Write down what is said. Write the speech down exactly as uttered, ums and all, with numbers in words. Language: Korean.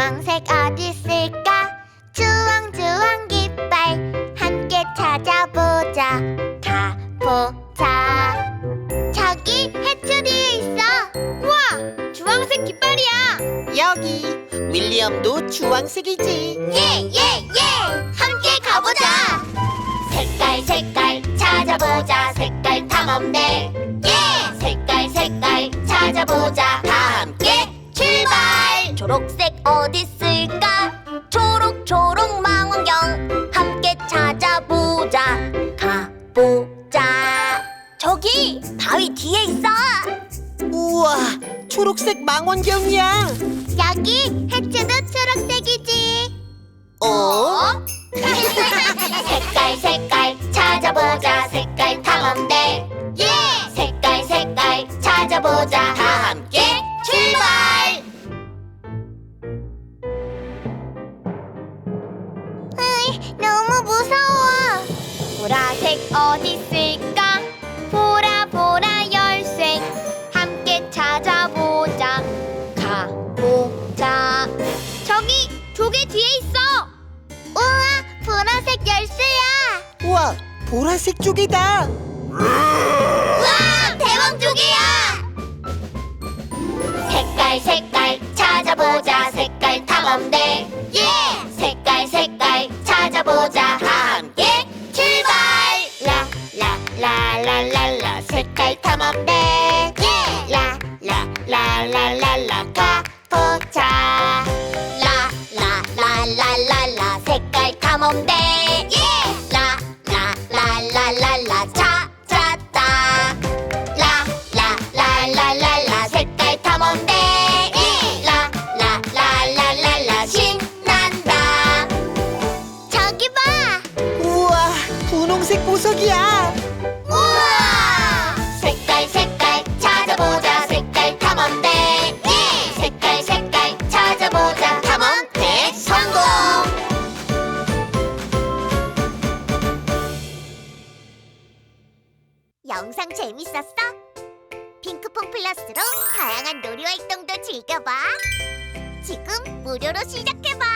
주황색 어디 있을까? 주황주황 깃발 함께 찾아보자. 가보자. 저기 해초리에 있어. 우와, 주황색 깃발이야. 여기 윌리엄도 주황색이지. 예, 예, 예! 함께 가보자! 색깔, 색깔 찾아보자. 색깔 탐험대. 예! 색깔, 색깔 찾아보자. 다 함께 출발! 초록색 어딨을까? 초록, 초록 망원경 함께 찾아보자. 가보자. 저기 바위 뒤에 있어. 우와, 초록색 망원경이야. 여기 해초도 초록색이지. 어? 색깔 색깔 찾아보자. 색깔 탐험대. 예! 색깔 색깔 찾아보자. 다 함께 출발! 으이, 너무 무서워. 보라색 어디 있을까? 보라 보라 열쇠 함께 찾아보자. 가보자. 저기 조개 뒤에 있어. 우와, 보라색 열쇠야. 우와, 보라색 쪽이다. 우와, 대왕 조개야. 색깔 색깔 찾아보자. 색깔 탐험대. 예! 색깔 색깔 찾아보자. 다 함께 출발! 라라라라라라 색깔 탐험대. 예! 라라라라라라 가보자. 라라라라라라 색깔 탐험대. 예! 라라라라라라 찾았다. 라라라라라라 색깔 탐험대. 예! 라라라라라라 신난다. 저기 봐. 우와, 분홍색 보석이야. 우와! 색깔 색깔 찾아보자. 색깔 탐험대. 예! 색깔 색깔 찾아보자. 탐험대 성공! 영상 재밌었어? 핑크퐁 플러스로 다양한 놀이 활동도 즐겨봐. 지금 무료로 시작해봐.